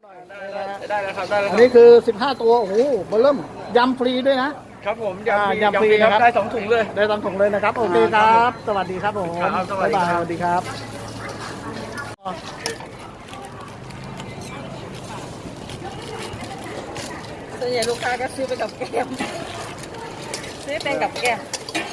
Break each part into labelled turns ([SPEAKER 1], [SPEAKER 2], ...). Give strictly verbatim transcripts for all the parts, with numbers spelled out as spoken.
[SPEAKER 1] ได้ได้แล้วครับได้แล้วค
[SPEAKER 2] อั
[SPEAKER 1] รั
[SPEAKER 2] น
[SPEAKER 1] บ
[SPEAKER 2] นี้คือสิบห้าตัวโอ้โหเบอร์เริ่มยำฟรีด้วยนะครับ
[SPEAKER 1] ผม
[SPEAKER 2] อ่าย
[SPEAKER 1] ำ
[SPEAKER 2] ยำฟรี
[SPEAKER 1] ยำฟรีครับ
[SPEAKER 2] นะครับ
[SPEAKER 1] ได้สองถุงเลย
[SPEAKER 2] ได้ตามถุงเลยนะครับโอเคค
[SPEAKER 1] ครั
[SPEAKER 2] รับ
[SPEAKER 1] บ
[SPEAKER 2] สวัสดีครับผม
[SPEAKER 1] ครับสวัสดี
[SPEAKER 2] บ๊ายบาย
[SPEAKER 1] ครับ
[SPEAKER 2] สวัสดีครับ
[SPEAKER 3] ส่วนใหญ่ลูกค้าก็ซื้อไปกับแก้มซื้อเป็นกับแก้ม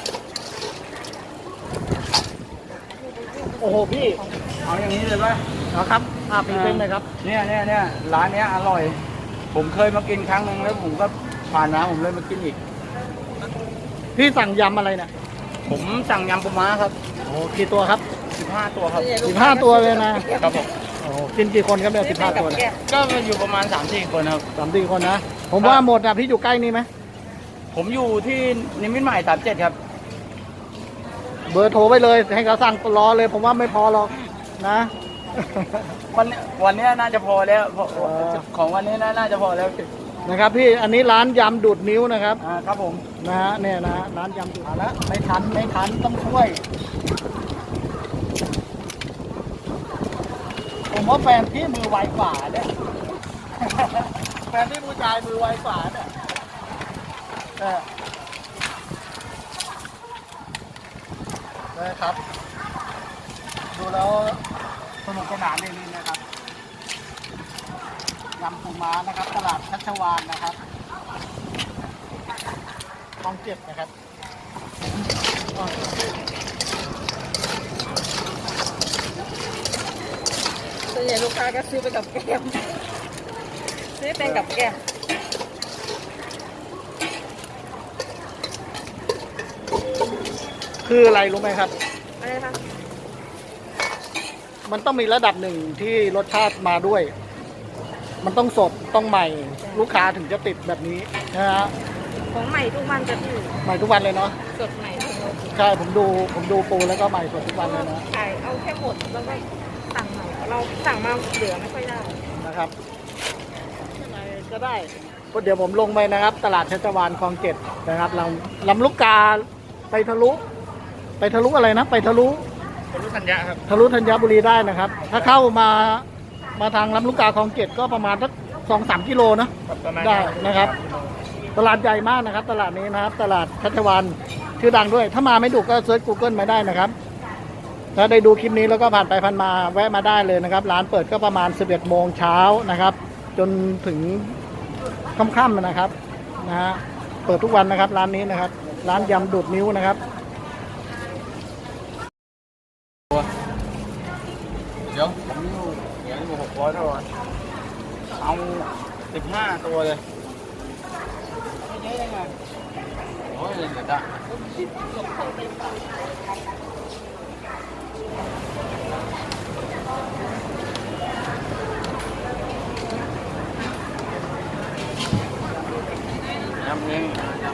[SPEAKER 2] โอ้โหพี่
[SPEAKER 1] เอาอย่างนี้เลยป่ะ
[SPEAKER 2] เอาครับอ่าพรีเซนต์เลยครับ
[SPEAKER 1] เนี่ยเนี่ยเนี่ยร้านเนี้ยอร่อย ผมเคยมากินครั้งหนึ่งแล้วผมก็ผ่านมาผมเลยมากินอีก
[SPEAKER 2] พี่สั่งยำอะไรเนี่ย
[SPEAKER 1] ผมสั่งยำปูม้าครับ
[SPEAKER 2] โอ้กี่ตัวครับ
[SPEAKER 1] สิบห้าตัวครับ
[SPEAKER 3] ส่วนใญ่ลูก
[SPEAKER 2] สิบ
[SPEAKER 3] ค้
[SPEAKER 2] ห้าตัวเลยนะ
[SPEAKER 1] ครับผม
[SPEAKER 2] โอ้กินกี่คนครับเนี่ยสิบห้าตัว
[SPEAKER 3] ซื้อ
[SPEAKER 2] เนี่ย
[SPEAKER 3] เป็นกับแก้ม
[SPEAKER 1] ก็อยู่ประมาณสามสี่คนครับ
[SPEAKER 2] สามสี่คนนะ ผม
[SPEAKER 1] ครับ
[SPEAKER 2] ว่าหมดอ่ะพี่อยู่ใกล้นี่ไหม
[SPEAKER 1] ผมอยู่ที่นิมิตรใหม่สามเจ็ดครับ
[SPEAKER 2] เบอร์โทรไปเลยให้เขาสั่งรอเลย ผมว่าไม่พอหรอกนะ
[SPEAKER 1] วันนี้วันนี้น่าจะพอแล้วเพราะ
[SPEAKER 2] เออ
[SPEAKER 1] ของวันนี้น่าน่าจะพอแล้ว
[SPEAKER 2] นะครับพี่อันนี้ร้านยำดูดนิ้วนะครับ
[SPEAKER 1] อ่าครับผม
[SPEAKER 2] นะฮะเนี่ยนะฮะร้านยำดูดแล้วไม่ทันไม่ทันต้องช่วย ผมว่าแฟนพี่มือไวกว่าเนี่ย แฟนพี่ผู้ชายมือไวกว่าเนี่ยเออนะครับ ดูแล้วสนุกสนานเลยนี่นะครับยำปูม้านะครับ ตลาดชัชวาลนะครับคลองเจ็ดนะครับ
[SPEAKER 3] ส่วนใหญ่ลูกค้าก็ซื้อไปกับแก้มซื้อเป็นกับแก้ม
[SPEAKER 2] คืออะไรรู้ไหมครับ
[SPEAKER 3] อะไรคะ
[SPEAKER 2] มันต้องมีระดับหนึ่งที่รสชาติมาด้วย มันต้องสดต้องใหม่ ลูกค้าถึงจะติดแบบนี้นะฮะ
[SPEAKER 3] ของใหม่ทุกวันจะพี่
[SPEAKER 2] ใหม่ทุกวันเลยเนาะ
[SPEAKER 3] สดใหม่ทุกวัน
[SPEAKER 2] ใช่ผมดูผมดูปูแล้วก็ใหม่สดทุกวันเลยนะ
[SPEAKER 3] ขายเอาแค่หมดแล้วก็สั่งใหม่เราสั่งมาเหลือไม่ค่อยได้
[SPEAKER 2] นะครับอะไรก็ได้ก็เดี๋ยวผมลงไปนะครับ ตลาดชัชวาลคลองเจ็ดนะครับลำลำลูกกาไปทะลุ ไปทะลุอะไรนะ ไปทะลุ
[SPEAKER 1] เป็นลูกธัญญาครับ
[SPEAKER 2] ทะลุธัญบุรีได้นะครับ ถ้าเข้ามามาทางลำลูกกาคลองเจ็ดก็ประมาณสักสองสามกิโลนะ
[SPEAKER 1] ประมาณ
[SPEAKER 2] ได้นะครับ ตลาดใหญ่มากนะครับ ตลาดนี้นะครับ ตลาดชัชวาลชื่อดังด้วย ถ้ามาไม่ถูกก็เซิร์ช Google มาได้นะครับ ถ้าได้ดูคลิปนี้แล้วก็ผ่านไปผ่านมาแวะมาได้เลยนะครับ ร้านเปิดก็ประมาณสิบเอ็ดโมงเช้านะครับ จนถึงค่ำๆนะครับนะฮะเปิดทุกวันนะครับ ร้านนี้นะครับ ร้านยำดูดนิ้วนะครับ
[SPEAKER 1] เดี๋ยวผมอยู่เดี๋ยวอยู่หกร้อยตัวเอาสิบห้าตัวเลยเยอะยังไงโอ้ยเดี๋ยวจะยำนี้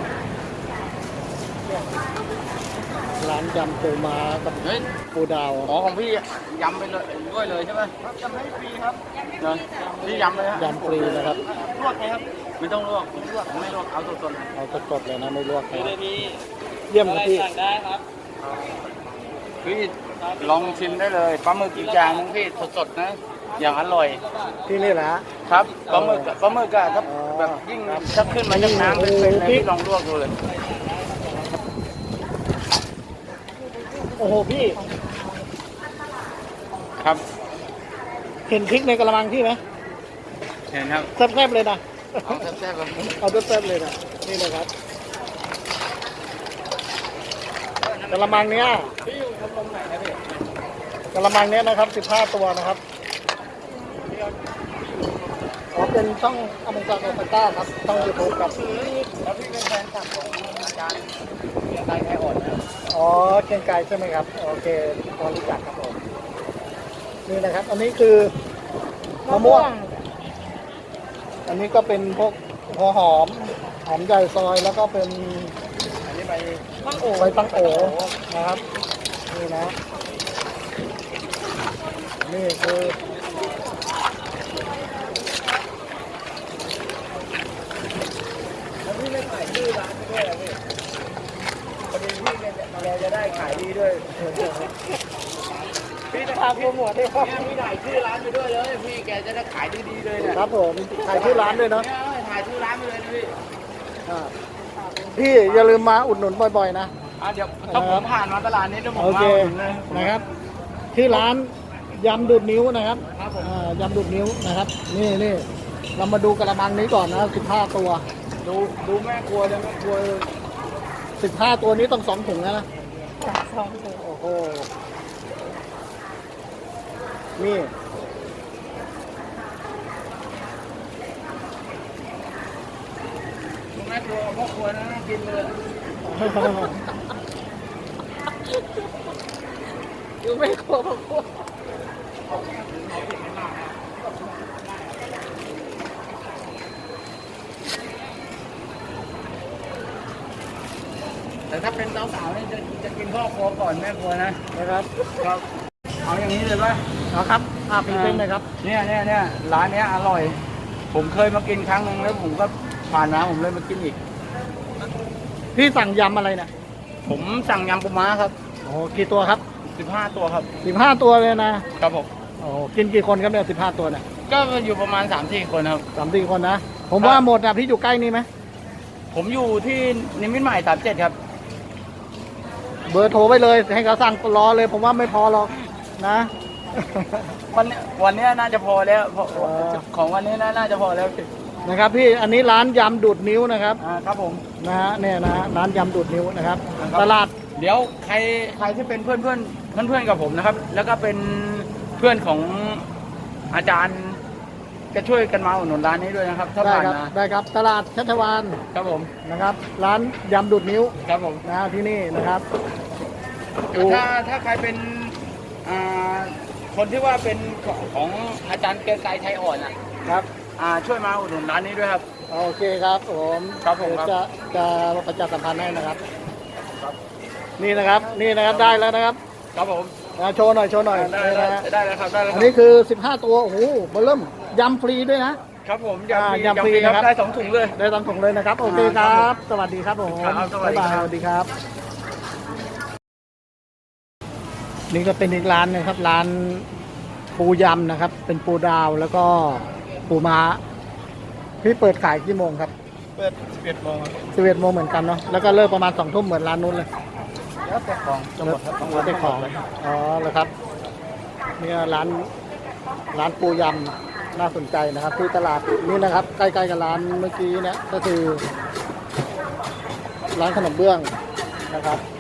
[SPEAKER 2] ร้านยำปูม้ากับ
[SPEAKER 1] เฮ้ย
[SPEAKER 2] ปูดาว
[SPEAKER 1] อ๋อของพี่ยำไปเลยด้วยเลยใช่ไหมยำให้ฟรีครับเนอะพี่ยำเลยฮะ
[SPEAKER 2] ยำฟรีนะครับ
[SPEAKER 1] ลวกไหมครับไม่ต้องลวกไม่ลวกไม่ลวกเอาสดๆเลย
[SPEAKER 2] เอาสดๆเลยนะไม่ลวกนะ
[SPEAKER 1] มี
[SPEAKER 2] เยี่ยมครับพี่
[SPEAKER 1] ได้ครับพี่ลองชิมได้เลยปลาหมึกอีกอย่างนึงพี่สดๆนะอย่างอร่อย
[SPEAKER 2] ที่นี่แหละฮะ
[SPEAKER 1] ครับปลาหมึกอะปลาหมึกอะถ้า
[SPEAKER 2] อ๋อ
[SPEAKER 1] แบบยิ่งถ้าขึ้นมาจากน้ำเป็นๆเลย
[SPEAKER 2] โอ้โหพี่
[SPEAKER 1] พี่ลองลวกดูเลย
[SPEAKER 2] โอ้โหพี่
[SPEAKER 1] ครับ
[SPEAKER 2] เห็นพริกในกระมังพี่ไหม
[SPEAKER 1] เห็นครับ
[SPEAKER 2] แซ่บๆเลยนะ
[SPEAKER 1] เอาแซ่บๆแบบนี้
[SPEAKER 2] เอาแซ่บๆเลยนะนี่เลยครับกระมังเนี้ย
[SPEAKER 1] พี่อยู่ตรงไหนนะพี่
[SPEAKER 2] กระมังเนี้ยนะครับสิบห้าตัวนะครับอ๋อเป็นช่องอเมริกันโอเปร่าครับช่องยูทูบครับ
[SPEAKER 1] แล้วพี่เป็นแฟนคลับของอาจารย์เกียรติไกรไทยอ่อนนะ
[SPEAKER 2] อ๋อเกรียงไกรใช่ไหมครับโอเคพอรู้จักครับผมนี่นะครับ อันนี้คือมะม่วง อันนี้ก็เป็นพวกหัวหอมหอมใหญ่ซอยแล้วก็เป็น
[SPEAKER 1] อันนี้ไป
[SPEAKER 3] มังโอ
[SPEAKER 2] ใบตังโอนะครับนี่นะนี่คือ
[SPEAKER 1] แล้วพี่ไม่ขายชื่อร้านด้วยเหรอพี่พอดีพี่เนี่ยเราจะได้ขายดีด้วยพี่จะ
[SPEAKER 2] ภาพโปรโมทด้วยครับ
[SPEAKER 1] เนี่ยพี่ถ่ายชื่อร้านไปด้วยเลยพี่แกจะได้ขายดีๆเลยเนี่ย
[SPEAKER 2] ครับผมถ่ายชื่อร้านด้วยเนาะ
[SPEAKER 1] เนี่ยถ่ายชื่อร้านไปเลยนะพี่
[SPEAKER 2] อ่าพี่อย่าลืมมาอุดหนุนบ่อยๆนะ
[SPEAKER 1] อ่ะเดี๋ยวถ้าผมผ่านมาตลาดนี้เดี๋ยวผม
[SPEAKER 2] โอ
[SPEAKER 1] มา
[SPEAKER 2] เค
[SPEAKER 1] อุดหนุนเลย
[SPEAKER 2] นะครับชื่อร้านยำดูดนิ้วนะครับ
[SPEAKER 1] ครับผม
[SPEAKER 2] อ่ายำดูดนิ้วนะครับ นี่นี่เรามาดูกระมังนี้ก่อนนะสิบห้าตัว
[SPEAKER 1] ดูดูแม่ครัวเลยแม่ครัวเลย
[SPEAKER 2] สิบห้าตัวนี้ต้องสองถุงแล้วนะ
[SPEAKER 3] สองตัว
[SPEAKER 2] โอ้โหนี่
[SPEAKER 1] ดูแม่ครัวกับพ่อครัวนะน่ากินเลย
[SPEAKER 3] อยู่ไม่ครบครบ
[SPEAKER 1] แต่ถ้าเป็นสาวๆนี่จะจะกินพ่อครัวก่อนแม่ครัวนะ
[SPEAKER 2] นะครับ
[SPEAKER 1] ครับ เอาอย่างนี้เลยป่ะ
[SPEAKER 2] เอาครับอ่าพรีเซนต์เลยครับ
[SPEAKER 1] เนี่ยเนี่ยเนี่ยร้านเนี้ยอร่อย ผมเคยมากินครั้งหนึงแล้วผมก็ผ่านมาผมเลยมากินอีก
[SPEAKER 2] พี่สั่งยำอะไรเนี่ย
[SPEAKER 1] ผมสั่งยำปูม้าครับ
[SPEAKER 2] โอ้โหกี่ตัวครับ
[SPEAKER 1] สิบห้าตัวครับ
[SPEAKER 2] สิบห้าตัวเลยนะครับ
[SPEAKER 1] ผม
[SPEAKER 2] โอ้โหกินกี่คนครับเนี่ยสิบห้าตัวเนี่ย
[SPEAKER 1] ก็อยู่ประมาณสามสี่คนครับ
[SPEAKER 2] สามสี่คนนะ ผม
[SPEAKER 1] ครับ
[SPEAKER 2] ว่าหมดอ่ะพี่อยู่ใกล้นี่ไหม
[SPEAKER 1] ผมอยู่ที่นิมิตรใหม่สามเจ็ดครับ
[SPEAKER 2] เบอร์โทรไปเลยให้เขาสั่งรอเลย ผมว่าไม่พอหรอกนะ
[SPEAKER 1] วันเนี้ยวันเนี้ยน่าจะพอแล้วเพราะ
[SPEAKER 2] เออ
[SPEAKER 1] ของวันนี้น่าน่าจะพอแล้ว
[SPEAKER 2] นะครับพี่อันนี้ร้านยำดูดนิ้วนะครับ
[SPEAKER 1] อ่าครับผม
[SPEAKER 2] นะฮะเนี่ยนะฮะร้านยำดูดนิ้วนะครับ
[SPEAKER 1] นะครับ
[SPEAKER 2] ตลาด
[SPEAKER 1] เดี๋ยวใครใครที่เป็นเพื่อนเพื่อนเพื่อนเพื่อนๆกับผมนะครับ แล้วก็เป็นเพื่อนของอาจารย์ก็ช่วยกันมาอุดหนุนร้านนี้ด้วยนะครับถ้า
[SPEAKER 2] ได้
[SPEAKER 1] ผ่าน
[SPEAKER 2] ครับ
[SPEAKER 1] มา
[SPEAKER 2] ได้ครับตลาดชัชวาน
[SPEAKER 1] ครับผม
[SPEAKER 2] นะครับ ร้านยำดูดนิ้ว
[SPEAKER 1] ครับผม
[SPEAKER 2] นะฮะที่นี่นะครับ
[SPEAKER 1] ถ้าถ้าใครเป็นอ่าคนที่ว่าเป็นของของอาจารย์เกรียงไกรไทยอ่อนอ่ะ
[SPEAKER 2] ครับ
[SPEAKER 1] อ่าช่วยมาอุดหนุนร้านนี้ด้วยครับ
[SPEAKER 2] โอเคครับผม
[SPEAKER 1] ครับผมครับ
[SPEAKER 2] เดี๋ยวจะจะประชาสัมพันธ์ให้นะครับ นี่นะครับนี่นะครับได้แล้วนะครับ
[SPEAKER 1] ครับผม
[SPEAKER 2] อ่าโชว์หน่อยโชว์หน่อย
[SPEAKER 1] ได้
[SPEAKER 2] นี่
[SPEAKER 1] ได้
[SPEAKER 2] นะฮะ
[SPEAKER 1] ได้แล้วครับได้แล้วค
[SPEAKER 2] อั
[SPEAKER 1] รั
[SPEAKER 2] นนี้คือสิบห้าตัวโอ้โหเบอร์เริ่มยำฟรีด้วยนะ
[SPEAKER 1] ครับผม
[SPEAKER 2] อ่าย
[SPEAKER 1] ำ
[SPEAKER 2] ยำฟรี
[SPEAKER 1] ค
[SPEAKER 2] นะครับ
[SPEAKER 1] ได้สองถุงเลย
[SPEAKER 2] ได้ตามถุงเลยนะครับ โอเคค
[SPEAKER 1] ครั
[SPEAKER 2] รับ
[SPEAKER 1] บ
[SPEAKER 2] สวัสดีครับผม
[SPEAKER 1] ครับสวัสดี
[SPEAKER 2] บ๊ายบาย
[SPEAKER 1] ครับ
[SPEAKER 2] สวัสดีครับ นี่ก็เป็นอีกร้านหนึงครับ ร้านปูยำนะครับ เป็นปูดาวแล้วก็ปูม้าพี่เปิดขายกี่โมงครับ
[SPEAKER 1] เปิดสิบเอ็ดโมง
[SPEAKER 2] สิบเอ็ดโมงเหมือนกันเนาะแล้วก็เลิกประมาณสองทุ่มเหมือนร้านนู้นเลย
[SPEAKER 1] แล้วแต่ของจะหมดครับ
[SPEAKER 2] แล้วแต่ของอ๋อแล้วครับเนี่ยร้านร้านปูยำน่าสนใจนะครับ ที่ตลาดนี่นะครับ ใกล้ๆกับร้านเมื่อกี้เนะก็คือ ร้านขนมเบื้องนะครับ